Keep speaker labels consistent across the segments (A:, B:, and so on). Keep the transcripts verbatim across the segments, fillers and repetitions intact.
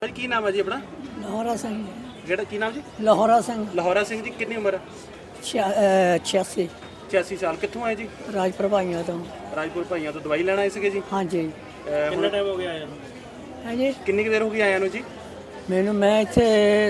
A: ਭਾਜੀ ਕੀ ਨਾਮ ਹੈ ਜੀ ਆਪਣਾ?
B: ਲਾਹੌਰਾ ਸਿੰਘ।
A: ਕਿਹੜਾ ਕੀ ਨਾਮ ਜੀ?
B: ਲਾਹੌਰਾ ਸਿੰਘ।
A: ਲਾਹੌਰਾ ਸਿੰਘ ਜੀ, ਕਿੰਨੀ ਉਮਰ?
B: ਛਿਆਸੀ।
A: ਛਿਆਸੀ ਸਾਲ। ਕਿੱਥੋਂ ਆਏ ਜੀ?
B: ਰਾਜਪੁਰ ਭਾਈਆਂ ਤੋਂ।
A: ਰਾਜਪੁਰ ਭਾਈਆਂ ਤੋਂ ਦਵਾਈ ਲੈਣ ਆਏ ਸੀਗੇ ਜੀ?
B: ਹਾਂਜੀ।
A: ਕਿੰਨਾ ਟਾਈਮ ਹੋ ਗਿਆ ਆਇਆ ਨੂੰ?
B: ਹੈ ਜੀ,
A: ਕਿੰਨੀ ਕੁ ਦੇਰ ਹੋ ਗਈ ਆਇਆ ਨੂੰ ਜੀ?
B: ਮੈਨੂੰ ਮੈਂ ਇੱਥੇ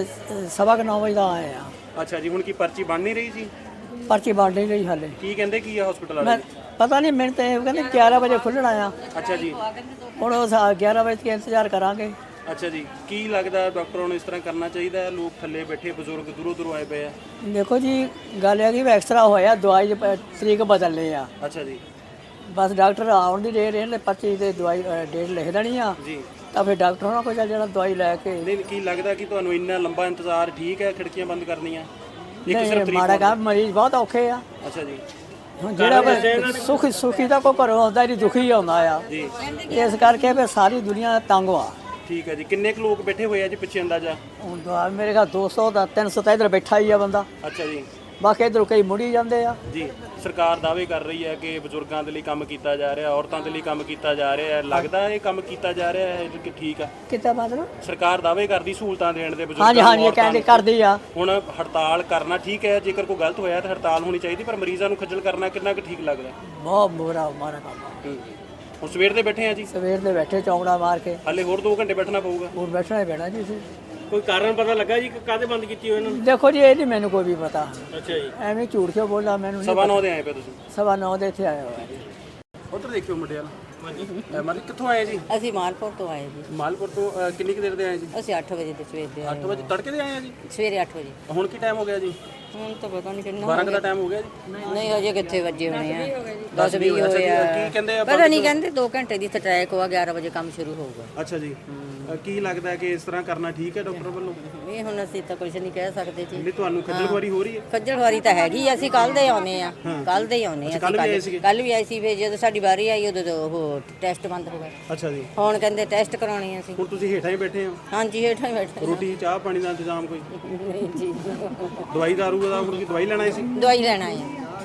B: ਸਵਾ ਕੁ ਨੌ ਵਜੇ ਦਾ ਆਇਆ।
A: ਅੱਛਾ ਜੀ, ਹੁਣ ਕੀ ਪਰਚੀ ਬਣ ਨਹੀਂ ਰਹੀ ਜੀ?
B: ਪਰਚੀ ਬਣ ਨਹੀਂ ਰਹੀ ਹਾਲੇ।
A: ਕੀ ਕਹਿੰਦੇ ਕੀ ਆ ਹਸਪੀਟਲ
B: ਮੈਂ
A: ਵਾਲੇ?
B: ਪਤਾ ਨਹੀਂ, ਮੈਨੂੰ ਤਾਂ ਇਹ ਕਹਿੰਦੇ ਗਿਆਰਾਂ ਵਜੇ ਖੁੱਲ੍ਹਣਾ ਆ।
A: ਅੱਛਾ ਜੀ।
B: ਹੁਣ ਉਹ ਗਿਆਰਾਂ ਵਜੇ ਤੱਕ ਇੰਤਜ਼ਾਰ ਕਰਾਂਗੇ।
A: ਅੱਛਾ ਜੀ, ਕੀ ਲੱਗਦਾ ਡਾਕਟਰਾਂ ਨੂੰ ਇਸ ਤਰ੍ਹਾਂ ਕਰਨਾ ਚਾਹੀਦਾ ਹੈ? ਲੋਕ ਥੱਲੇ ਬੈਠੇ ਬਜ਼ੁਰਗ ਦੂਰੋਂ ਦੂਰੋਂ ਆਏ ਪਏ ਆ।
B: ਦੇਖੋ ਜੀ, ਗੱਲ ਹੈ ਕਿ ਐਕਸਰਾ ਹੋਇਆ, ਦਵਾਈ ਦੀ ਪ- ਤਰੀਕ ਬਦਲਣੀ ਆ।
A: ਅੱਛਾ ਜੀ।
B: ਬਸ ਡਾਕਟਰ ਆਉਣ ਦੀ ਦੇਰ ਇਹਨੇ ਪਰਚੀ ਤੇ ਦਵਾਈ ਅ, ਡੇਟ ਲਿਖ ਦੇਣੀ ਆ,
A: ਜੀ।
B: ਤਾਂ ਫਿਰ ਡਾਕਟਰ ਹੋਣਾ ਕੋਈ ਚੱਲ ਜਾਣਾ ਦਵਾਈ ਲੈ ਕੇ।
A: ਨਹੀਂ, ਕੀ ਲੱਗਦਾ ਕਿ ਤੁਹਾਨੂੰ ਇੰਨਾ ਲੰਬਾ ਇੰਤਜ਼ਾਰ ਠੀਕ ਹੈ? ਖਿੜਕੀਆਂ ਬੰਦ ਕਰਨੀਆਂ ਇੱਕ ਸਿਰਫ
B: ਨਹੀਂ,
A: ਤਰੀਕ
B: ਮਾੜਾ
A: ਨੂੰ?
B: ਕੰਮ, ਮਰੀਜ਼ ਬਹੁਤ ਔਖੇ ਆ।
A: ਅੱਛਾ ਜੀ।
B: ਹੁਣ ਜਿਹੜਾ ਬ- ਸੁਖੀ ਸੁਖੀ ਦਾ ਕੋਈ ਘਰੋਂ ਆਉਂਦਾ ਨਹੀਂ, ਦੁਖੀ ਆਉਂਦਾ ਆ।
A: ਜੀ
B: ਇਸ ਕਰਕੇ ਫਿਰ ਸਾਰੀ ਦੁਨੀਆ ਤੰਗ ਆ।
A: ਠੀਕ ਹੈ ਜੀ। ਕਿੰਨੇ ਕੁ ਲੋਕ ਬੈਠੇ ਹੋਏ ਆ ਜੀ ਪਿੱਛੇ ਅੰਦਾਜ਼ਾ?
B: ਹੁਣ ਤਾਂ ਮੇਰੇ ਘਰ ਦੋ ਸੌ ਦਾ ਤਿੰਨ ਸੌ ਤਾਂ ਇੱਧਰ ਬੈਠਾ ਹੀ ਆ ਬੰਦਾ,
A: ਅੱਛਾ ਜੀ।
B: ਬਾਕੀ ਇੱਧਰੋਂ ਕਈ ਮੁੜੀ ਜਾਂਦੇ ਆ।
A: ਜੀ, ਸਰਕਾਰ ਦਾਅਵੇ ਕਰ ਰਹੀ ਹੈ ਕਿ ਬਜ਼ੁਰਗਾਂ ਦੇ ਲਈ ਕੰਮ ਕੀਤਾ ਜਾ ਰਿਹਾ, ਔਰਤਾਂ ਦੇ ਲਈ ਕੰਮ ਕੀਤਾ ਜਾ ਰਿਹਾ ਹੈ। ਲੱਗਦਾ ਇਹ ਕੰਮ ਕੀਤਾ ਜਾ ਰਿਹਾ ਹੈ ਕਿ ਠੀਕ ਆ?
B: ਕਿੱਦਾਂ ਮਤਲਬ?
A: ਸਰਕਾਰ ਦਾਅਵੇ ਕਰਦੀ ਸਹੂਲਤਾਂ ਦੇਣ ਦੇ ਬਜ਼ੁਰਗਾਂ
B: ਹਾਂਜੀ
A: ਨੂੰ,
B: ਹਾਂਜੀ, ਇਹ
A: ਔਰਤਾਂ
B: ਕਹਿੰਦੇ
A: ਨੂੰ।
B: ਕਰਦੀ ਆ।
A: ਹੁਣ ਹੜਤਾਲ ਕਰਨਾ ਠੀਕ ਹੈ, ਜੇਕਰ ਕੋਈ ਗਲਤ ਹੋਇਆ ਤਾਂ ਹੜਤਾਲ ਹੋਣੀ ਚਾਹੀਦੀ, ਪਰ ਮਰੀਜ਼ਾਂ ਨੂੰ ਖੱਜਲ ਕਰਨਾ ਕਿੰਨਾ ਕੁ ਠੀਕ ਲੱਗਦਾ?
B: ਬਹੁਤ ਬੁਰਾ ਮਾਰਾ ਕੰਮ ਆ।
A: ਹੂੰ। ਹੁਣ ਸਵੇਰ ਦੇ ਬੈਠੇ ਆ ਜੀ,
B: ਸਵੇਰ ਦੇ ਬੈਠੇ ਚੌਂਕੜਾ ਮਾਰ ਕੇ,
A: ਹਾਲੇ ਹੋਰ ਦੋ ਘੰਟੇ ਬੈਠਣਾ ਪਊਗਾ।
B: ਹੋਰ ਬੈਠਣਾ ਹੀ ਪੈਣਾ ਜੀ।
A: ਕੋਈ ਕਾਰਨ ਪਤਾ ਲੱਗਾ ਜੀ ਕਾਹਦੇ ਬੰਦ ਕੀਤੀ ਹੋਈ ਇਹਨਾਂ ਨੂੰ?
B: ਦੇਖੋ ਜੀ, ਇਹ ਨਹੀਂ ਮੈਨੂੰ ਕੋਈ ਵੀ ਪਤਾ।
A: ਅੱਛਾ ਜੀ।
B: ਐਵੇਂ ਝੂਠ ਕਿਉਂ ਬੋਲਦਾ, ਮੈਨੂੰ
A: ਸਵਾ
B: ਨਹੀਂ
A: ਨੌ ਦੇ ਆਏ ਪਏ ਤੁਸੀਂ?
B: ਸਵਾ ਨੌ ਦੇ ਇੱਥੇ ਆਇਆ ਹੋਇਆ ਜੀ।
A: ਉੱਧਰ ਦੇਖਿਓ ਮੁੰਡੇ ਵਾਲਾ। ਹਾਂਜੀ ਮਾਰੀ, ਕਿੱਥੋਂ ਆਏ ਜੀ?
C: ਅਸੀਂ ਮਾਲਪੁਰ ਤੋਂ ਆਏ ਜੀ।
A: ਮਾਲਪੁਰ ਤੋਂ। ਅਹ, ਕਿੰਨੀ ਕੁ ਦੇਰ ਦੇ ਆਏ ਜੀ?
C: ਅਸੀਂ ਅੱਠ ਵਜੇ ਦੇ ਸਵੇਰ ਦੇ ਆਏ।
A: ਅੱਠ ਵਜੇ ਤੜਕੇ ਦੇ ਆਏ ਆ ਜੀ?
C: ਸਵੇਰੇ ਅੱਠ ਵਜੇ।
A: ਹੁਣ ਕੀ ਟਾਈਮ ਹੋ ਗਿਆ ਜੀ?
C: ਹੁਣ ਤਾਂ ਪਤਾ ਨਹੀਂ ਕਿੰਨਾ
A: ਬਾਰਾਂ ਕੁ ਦਾ ਟਾਈਮ ਹੋ ਗਿਆ ਜੀ?
C: ਨਹੀਂ, ਹਜੇ ਕਿੱਥੇ ਵੱਜੇ ਹੋਣੇ ਆ। ਦਸ ਵੀਹ
A: ਅੱਛਾ ਜੀ,
C: ਹੋਏ ਆ।
A: ਕੀ ਕਹਿੰਦੇ ਆ?
C: ਪਤਾ ਨਹੀਂ, ਕਹਿੰਦੇ ਦੋ ਘੰਟੇ ਦੀ ਸਟ੍ਰਾਈਕ ਹੋਆ, ਗਿਆਰਾਂ ਵਜੇ ਕੰਮ ਸ਼ੁਰੂ ਹੋਊਗਾ।
A: ਅੱਛਾ ਜੀ। ਅਹ, ਕੀ ਲੱਗਦਾ ਕਿ ਇਸ ਤਰ੍ਹਾਂ ਕਰਨਾ ਠੀਕ ਹੈ ਡਾਕਟਰ ਵੱਲੋਂ?
C: ਇਹ ਹੁਣ ਅਸੀਂ ਤਾਂ ਕੁਝ ਨਹੀਂ ਕਹਿ ਸਕਦੇ ਜੀ।
A: ਨਹੀਂ, ਤੁਹਾਨੂੰ ਖੱਜਲ ਖੁਆਰੀ ਹੋ ਰਹੀ ਹੈ?
C: ਖੱਜਲ ਖੁਆਰੀ ਤਾਂ ਹੈਗੀ ਆ। ਅਸੀਂ ਕੱਲ ਦੇ ਆਉਨੇ ਆ, ਕੱਲ ਦੇ ਹੀ ਆਉਨੇ ਆ।
A: ਕੱਲ੍ਹ ਵੀ ਆਏ ਸੀਗੇ?
C: ਕੱਲ ਵੀ ਆਏ ਸੀ, ਫਿਰ ਜਦੋਂ ਸਾਡੀ ਵਾਰੀ ਆਈ ਉਦੋਂ ਤੋਂ ਉਹ ਟੈਸਟ ਬੰਦ ਹੋ ਗਏ।
A: ਅੱਛਾ ਜੀ।
C: ਹੁਣ ਕਹਿੰਦੇ ਟੈਸਟ ਕਰਾਉਣੇ ਆ ਅਸੀਂ।
A: ਹੁਣ ਤੁਸੀਂ ਹੇਠਾਂ ਹੀ ਬੈਠੇ ਹੋ?
C: ਹਾਂਜੀ, ਹੇਠਾਂ ਹੀ ਬੈਠੇ।
A: ਰੋਟੀ ਚਾਹ ਪਾਣੀ ਦਾ ਇੰਤਜ਼ਾਮ ਕੋਈ?
C: ਨਹੀਂ ਜੀ,
A: ਦਵਾਈ ਦਾਰੂ ਦਾ ਹੁਣ ਕੀ ਦਵਾਈ ਲੈਣ ਆਏ ਸੀ?
C: ਦਵਾਈ ਲੈਣ ਆਏ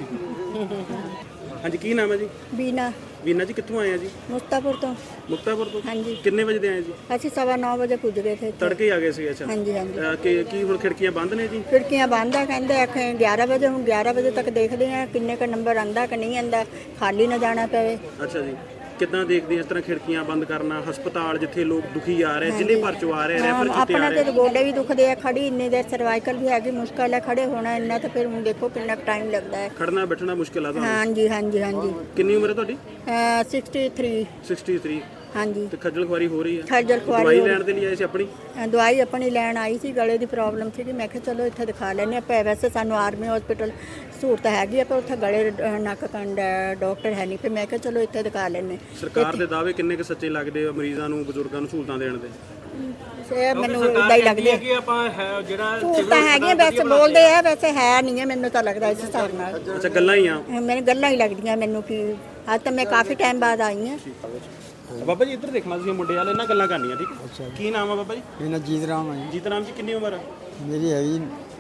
C: ਆ।
A: ਹਾਂਜੀ, ਕੀ ਨਾਮ ਹੈ ਜੀ?
D: ਬੀਨਾ
A: ਵੀਨਾ ਜੀ, ਕਿੱਥੋਂ ਆਏ ਆ ਜੀ?
D: ਮੁਸਤਾਪੁਰ ਤੋਂ।
A: ਮੁਕਤਾਪੁਰ ਤੋਂ?
D: ਹਾਂਜੀ।
A: ਕਿੰਨੇ ਵਜੇ ਦੇ ਆਏ ਜੀ?
D: ਅਸੀਂ ਸਵਾ ਨੌ ਵਜੇ ਪੁੱਜ ਗਏ ਥੇ ਇੱਥੇ।
A: ਤੜਕੇ ਹੀ ਆ ਗਏ ਸੀ? ਅੱਛਾ।
D: ਹਾਂਜੀ ਹਾਂਜੀ।
A: ਅਹ, ਕਿ ਕੀ ਹੁਣ ਖਿੜਕੀਆਂ ਬੰਦ ਨੇ ਜੀ?
D: ਖਿੜਕੀਆਂ ਬੰਦ ਆ, ਕਹਿੰਦੇ ਆਖੇ ਗਿਆਰਾਂ ਵਜੇ। ਹੁਣ ਗਿਆਰਾਂ ਵਜੇ ਤੱਕ ਦੇਖਦੇ ਆ ਕਿੰਨੇ ਕ ਨੰਬਰ ਆਂਦਾ ਕਿ ਨਹੀਂ ਆਂਦਾ, ਖਾਲੀ ਨਾ ਜਾਣਾ ਪਵੇ।
A: ਅੱਛਾ ਜੀ। ਕਿੱਦਾਂ ਦੇਖਦੇ ਇਸ ਤਰ੍ਹਾਂ ਖਿੜਕੀਆਂ ਬੰਦ ਕਰਨਾ? ਹਸਪਤਾਲ ਜਿੱਥੇ ਲੋਕ ਦੁਖੀ ਆ ਰਹੇ, ਜ਼ਿਲ੍ਹੇ ਭਰ ਚੋਂ ਆ ਰਹੇ, ਰੈਫਰ ਕੀਤੇ ਆ
D: ਆਪਣਾ
A: ਰਹੇ।
D: ਤੇ ਗੋਡੇ ਵੀ ਦੁਖਦੇ ਆ, ਖੜੀ ਇੰਨੀ ਦੇਰ ਸਰਵਾਈਕਲ ਵੀ ਹੈਗੀ, ਮੁਸ਼ਕਲ ਹੈ ਖੜੇ ਹੋਣਾ ਇੰਨਾ, ਤਾਂ ਫਿਰ ਹੁਣ ਦੇਖੋ ਕਿੰਨਾ ਟਾਈਮ ਲੱਗਦਾ ਹੈ।
A: ਖੜਨਾ ਬੈਠਣਾ ਮੁਸ਼ਕਿਲ ਆ ਤੁਹਾਨੂੰ?
D: ਹਾਂਜੀ ਹਾਂਜੀ ਹਾਂਜੀ।
A: ਕਿੰਨੀ ਉਮਰ ਹੈ ਤੁਹਾਡੀ?
D: Sixty three.
A: ਤਿਰਸਠ।
D: ਹਾਂਜੀ।
A: ਤੇ ਖੱਜਲ ਖੁਆਰੀ ਹੋ ਰਹੀ ਹੈ?
D: ਖੱਜਲ ਖੁਆਰੀ
A: ਦਵਾਈ
D: ਹੋ ਰਹੀ।
A: ਲੈਣ ਦੇ ਲਈ ਆਏ ਸੀ ਆਪਣੀ?
D: ਅ, ਦਵਾਈ ਆਪਣੀ ਲੈਣ ਆਈ ਸੀ, ਗਲੇ ਦੀ ਪ੍ਰੋਬਲਮ ਸੀਗੀ। ਮੈਂ ਕਿਹਾ ਚਲੋ ਇੱਥੇ ਦਿਖਾ ਲੈਂਦੇ ਆਪਾਂ। ਵੈਸੇ ਸਾਨੂੰ ਆਰਮੀ ਹਸਪੀਟਲ ਸਹੂਲਤ ਹੈਗੀ ਆ, ਪਰ ਉੱਥੇ ਗਲੇ ਅ, ਨੱਕ ਕੰਨ ਦਾ ਡਾਕਟਰ ਹੈ ਨਹੀਂ, ਫਿਰ ਮੈਂ ਕਿਹਾ ਚਲੋ ਇੱਥੇ ਦਿਖਾ ਲੈਂਦੇ।
A: ਸਰਕਾਰ ਦੇ ਦਾਅਵੇ ਕਿੰਨੇ ਕੁ ਸੱਚੇ ਲੱਗਦੇ ਆ ਮਰੀਜ਼ਾਂ ਨੂੰ, ਬਜ਼ੁਰਗਾਂ ਨੂੰ ਸਹੂਲਤਾਂ ਦੇਣ ਦੇ?
D: ਇਹ ਮੈਨੂੰ ਇਦਾਂ ਹੀ ਲੱਗਦੇ
A: ਕਿ ਆਪਾਂ ਜਿਹੜਾ
D: ਸਹੂਲਤਾਂ ਹੈਗੀਆਂ, ਵੈਸੇ ਬੋਲਦੇ ਆ, ਵੈਸੇ ਹੈ ਨਹੀਂ ਹੈ। ਮੈਨੂੰ ਤਾਂ ਲੱਗਦਾ ਇਸ ਹਿਸਾਬ ਨਾਲ,
A: ਅੱਛਾ ਗੱਲਾਂ ਹੀ ਆ?
D: ਮੈਨੂੰ ਗੱਲਾਂ ਹੀ ਲੱਗਦੀਆਂ ਮੈਨੂੰ ਕਿ ਅੱਜ ਤਾਂ ਮੈਂ ਕਾਫੀ ਟਾਈਮ ਬਾਅਦ ਆਈ ਹਾਂ।
A: ਬਾਬਾ ਜੀ ਇੱਧਰ ਦੇਖਣਾ ਤੁਸੀਂ ਮੁੰਡੇ ਵਾਲੇ, ਇਹਨਾਂ ਗੱਲਾਂ ਕਰਨੀਆਂ ਠੀਕ ਹੈ? ਕੀ ਨਾਮ ਆ ਬਾਬਾ ਜੀ?
E: ਮੇਰਾ ਜੀਤ ਰਾਮ ਹੈ ਜੀ।
A: ਜੀਤ ਰਾਮ ਜੀ, ਕਿੰਨੀ ਉਮਰ ਆ?
E: ਮੇਰੀ ਹੈਗੀ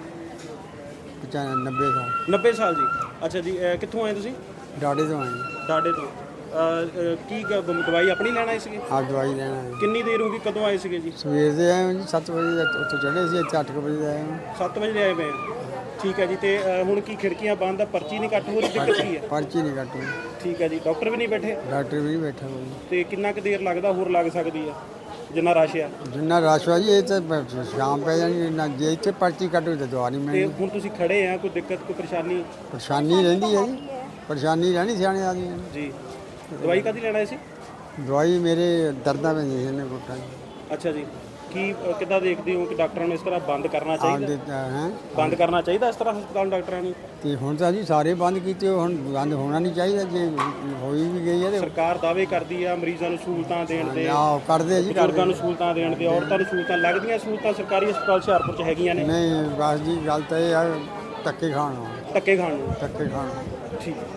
E: ਪਚਾਨਵੇਂ ਸਾਲ।
A: ਨੱਬੇ ਸਾਲ ਜੀ। ਅੱਛਾ ਜੀ। ਅਹ, ਕਿੱਥੋਂ ਆਏ ਤੁਸੀਂ?
E: ਡਾਡੇ ਤੋਂ ਆਏ ਜੀ।
A: ਡਾਡੇ ਤੋਂ। ਅਹ, ਅਹ, ਕੀ ਗ- ਦਵਾਈ ਆਪਣੀ ਲੈਣ ਆਏ ਸੀਗੇ?
E: ਆਪ ਦਵਾਈ ਲੈਣਾ ਹੈ।
A: ਕਿੰਨੀ ਦੇਰ ਹੋ ਗਈ, ਕਦੋਂ ਆਏ ਸੀਗੇ ਜੀ?
E: ਸਵੇਰ ਦੇ ਆਏ ਹਾਂ ਜੀ, ਸੱਤ ਵਜੇ ਉੱਥੋਂ ਚੜ੍ਹੇ ਸੀ, ਇੱਥੇ ਅੱਠ ਕੁ ਵਜੇ ਦੇ ਆਏ ਹਾਂ।
A: ਸੱਤ ਵਜੇ ਦੇ ਆਏ ਪਏ ਆ। ਠੀਕ ਹੈ ਜੀ। ਤੇ ਅਹ, ਹੁਣ ਕੀ ਖਿੜਕੀਆਂ ਬੰਦ ਆ, ਪਰਚੀ ਨਹੀਂ ਕੱਟ ਹੋ ਰਹੀ, ਦਿੱਕਤ ਕੀ ਹੈ?
E: ਪਰਚੀ ਨਹੀਂ ਕੱਟੂ।
A: ਠੀਕ ਹੈ ਜੀ। ਡਾਕਟਰ ਵੀ ਨਹੀਂ ਬੈਠੇ?
E: ਡਾਕਟਰ ਵੀ ਨਹੀਂ ਬੈਠਾ ਕੋਈ।
A: ਤੇ ਕਿੰਨਾ ਕੁ ਦੇਰ ਲੱਗਦਾ ਹੋਰ ਲੱਗ ਸਕਦੀ ਆ ਜਿੰਨਾ ਰਸ਼ ਆ?
E: ਜਿੰਨਾ ਰਸ਼ ਹੋਇਆ ਜੀ, ਇਹ ਤਾਂ ਬ- ਸ਼ਾਮ ਪੈ ਜਾਣੀ ਨਾ, ਜੇ ਇੱਥੇ ਪਰਚੀ ਕੱਟੂ ਤਾਂ ਦਵਾ ਨਹੀਂ
A: ਤੇ
E: ਮਿਲਣੀ।
A: ਹੁਣ ਤੁਸੀਂ ਖੜੇ ਆ, ਕੋਈ ਦਿੱਕਤ ਕੋਈ ਪਰੇਸ਼ਾਨੀ?
E: ਪਰੇਸ਼ਾਨੀ ਰਹਿੰਦੀ ਹੈ ਜੀ, ਪਰੇਸ਼ਾਨੀ ਰਹਿਣੀ ਸਿਆਣੇ ਆਦਮੀ ਨੂੰ।
A: ਜੀ। ਦਵਾਈ ਕਾਹਦੀ ਲੈਣ ਆਏ ਸੀ?
E: ਦਵਾਈ ਮੇਰੇ ਦਰਦਾਂ ਪੈਂਦੀਆਂ ਸੀ ਨੇ ਗੁੱਟਾਂ 'ਚ।
A: ਅੱਛਾ ਜੀ। ਕੀ ਅਹ, ਕਿੱਦਾਂ ਦੇਖਦੇ ਹੋ ਕਿ ਡਾਕਟਰਾਂ ਨੂੰ ਇਸ ਤਰ੍ਹਾਂ ਬੰਦ ਕਰਨਾ ਚਾਹੀਦਾ?
E: ਆਪਦੇ ਹੈ
A: ਬੰਦ ਕਰਨਾ ਚਾਹੀਦਾ ਇਸ ਤਰ੍ਹਾਂ ਹਸਪਤਾਲ ਡਾਕਟਰਾਂ ਨੂੰ?
E: ਤੇ ਹੁਣ ਤਾਂ ਜੀ ਸਾਰੇ ਬੰਦ ਕੀਤੇ, ਹੁਣ ਬੰਦ ਹੋਣਾ ਨਹੀਂ ਚਾਹੀਦਾ। ਜੇ ਹੋਈ ਵੀ ਗਈ ਹੈ ਤੇ
A: ਸਰਕਾਰ ਦਾਅਵੇ ਕਰਦੀ ਆ ਮਰੀਜ਼ਾਂ ਨੂੰ ਸਹੂਲਤਾਂ ਦੇਣ ਦੇ,
E: ਆਹ ਕਰਦੇ ਜੀ,
A: ਬਜ਼ੁਰਗਾਂ
E: ਕਰਦੇ।
A: ਨੂੰ ਸਹੂਲਤਾਂ ਦੇਣ ਦੇ, ਔਰਤਾਂ ਨੂੰ ਸਹੂਲਤਾਂ ਲੱਗਦੀਆਂ। ਸਹੂਲਤਾਂ ਸਰਕਾਰੀ ਹਸਪਤਾਲ ਹੁਸ਼ਿਆਰਪੁਰ 'ਚ ਹੈਗੀਆਂ ਨੇ?
E: ਨਹੀਂ ਬਸ ਜੀ, ਗੱਲ ਤਾਂ ਇਹ ਆ ਧੱਕੇ ਖਾਣ ਨੂੰ,
A: ਧੱਕੇ ਖਾਣ ਨੂੰ।
E: ਧੱਕੇ ਖਾਣ ਨੂੰ।
A: ਠੀਕ।